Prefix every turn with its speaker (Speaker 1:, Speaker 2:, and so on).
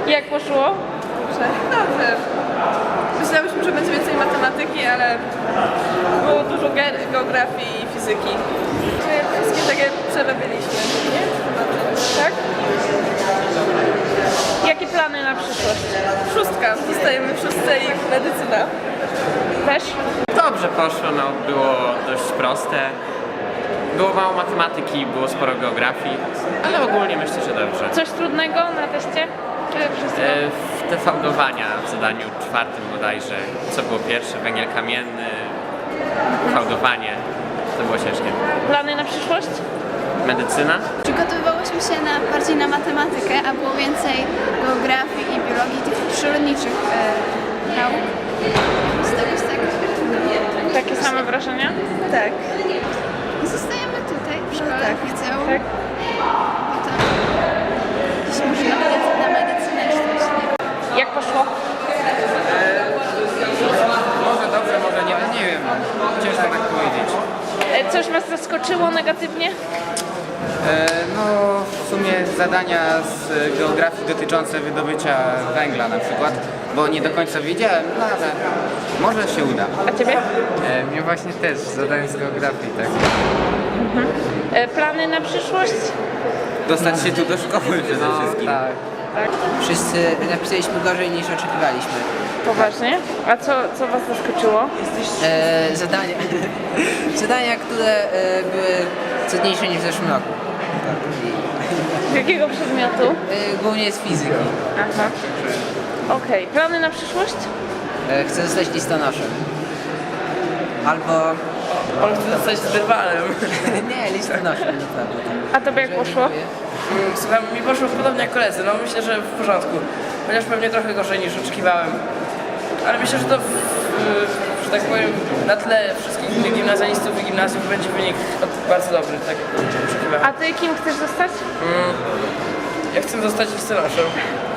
Speaker 1: Jak poszło?
Speaker 2: Dobrze. Myślałyśmy, że będzie więcej matematyki, ale było dużo geografii i fizyki. Wszystkie takie przerobiliśmy, nie? Tak?
Speaker 1: Jakie plany na przyszłość?
Speaker 2: Szóstka. Zostajemy w szóstce i medycyna.
Speaker 1: Też?
Speaker 3: Dobrze poszło, no było dość proste. Było mało matematyki, było sporo geografii, ale ogólnie myślę, że dobrze.
Speaker 1: Coś trudnego na teście? Czy wszystko?
Speaker 3: Te fałdowania w zadaniu czwartym bodajże, co było pierwsze, węgiel kamienny, fałdowanie, to było ciężkie.
Speaker 1: Plany na przyszłość?
Speaker 3: Medycyna?
Speaker 4: Przygotowywałyśmy się bardziej na matematykę, a było więcej geografii i biologii, tych przyrodniczych nauk. Z tego jest tak.
Speaker 1: Takie same wrażenia?
Speaker 2: Tak.
Speaker 4: I zostajemy tutaj w szkole
Speaker 2: tak.
Speaker 4: liceum.
Speaker 1: Tak.
Speaker 4: Potem gdzieś może na medycynę czy coś.
Speaker 1: Jak poszło?
Speaker 5: Może dobrze, może nie wiem. Ciężko tak powiedzieć.
Speaker 1: Coś was zaskoczyło negatywnie?
Speaker 5: No w sumie zadania z geografii dotyczące wydobycia węgla na przykład, bo nie do końca wiedziałem, no ale może się uda.
Speaker 1: A ciebie?
Speaker 6: Mnie właśnie też zadanie z geografii, tak.
Speaker 1: Plany na przyszłość?
Speaker 5: Dostać się tu do szkoły przede wszystkim.
Speaker 6: Tak.
Speaker 7: Wszyscy napisaliśmy gorzej niż oczekiwaliśmy.
Speaker 1: Poważnie? A co was zaskoczyło?
Speaker 7: Zadania, zadania, które były trudniejsze niż w zeszłym roku.
Speaker 1: Z jakiego przedmiotu?
Speaker 7: Głównie z fizyki.
Speaker 1: Aha. Okej. Plany na przyszłość?
Speaker 7: Chcę zostać listonoszem. Albo...
Speaker 8: On chce zostać drwalem.
Speaker 7: nie, listonoszem, naprawdę.
Speaker 1: A tobie jak poszło?
Speaker 8: Słuchaj, mi poszło podobnie jak koledzy, no myślę, że w porządku. Chociaż pewnie trochę gorzej niż oczekiwałem. Ale myślę, że to, że tak powiem, na tle wszystkich innych gimnazjalistów i gimnazjów będzie wynik bardzo dobry, tak jak oczekiwałem.
Speaker 1: A ty kim chcesz zostać?
Speaker 8: Ja chcę zostać listonoszem.